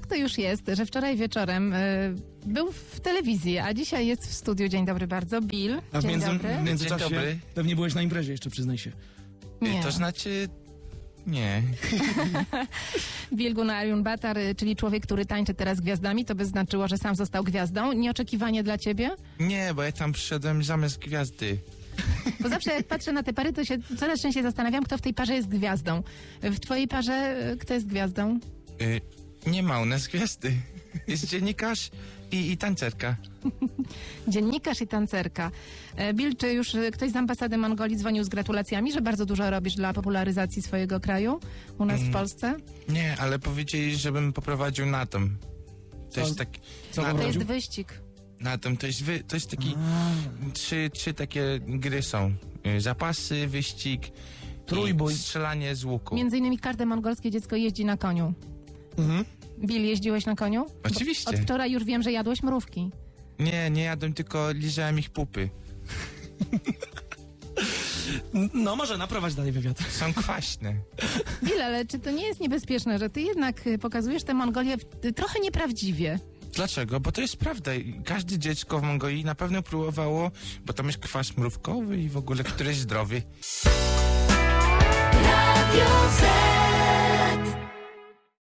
to już jest, że wczoraj wieczorem był w telewizji, a dzisiaj jest w studiu. Dzień dobry bardzo, Bill. A w Dzień dobry. międzyczasie Dzień dobry. pewnie byłeś na imprezie jeszcze, przyznaj się. Nie. To znaczy... Nie. Bill Gunnar Batar, czyli człowiek, który tańczy teraz z gwiazdami, to by znaczyło, że sam został gwiazdą. Nieoczekiwanie dla ciebie? Nie, bo ja tam przyszedłem zamiast gwiazdy. Bo zawsze jak patrzę na te pary, to się coraz częściej zastanawiam, kto w tej parze jest gwiazdą. W twojej parze kto jest gwiazdą? Nie ma u nas gwiazdy. Jest dziennikarz i tancerka. Dziennikarz i tancerka. Bill, czy już ktoś z ambasady Mongolii dzwonił z gratulacjami, że bardzo dużo robisz dla popularyzacji swojego kraju u nas w Polsce? Nie, ale powiedzieli, żebym poprowadził na tom. To jest taki... Co na To tom, jest wyścig. na tom, to jest taki... Trzy takie gry są. Zapasy, wyścig Trójbój. i strzelanie z łuku. Między innymi każde mongolskie dziecko jeździ na koniu. Mhm. Bill, jeździłeś na koniu? Oczywiście. Od wczoraj już wiem, że jadłeś mrówki. Nie jadłem, tylko lizałem ich pupy. No może naprowadź dalej wywiad. Są kwaśne. Bill, ale czy to nie jest niebezpieczne, że ty jednak pokazujesz tę Mongolię trochę nieprawdziwie? Dlaczego? Bo to jest prawda. I każde dziecko w Mongolii na pewno próbowało, bo tam jest kwas mrówkowy i w ogóle, który jest zdrowy. Radio Z.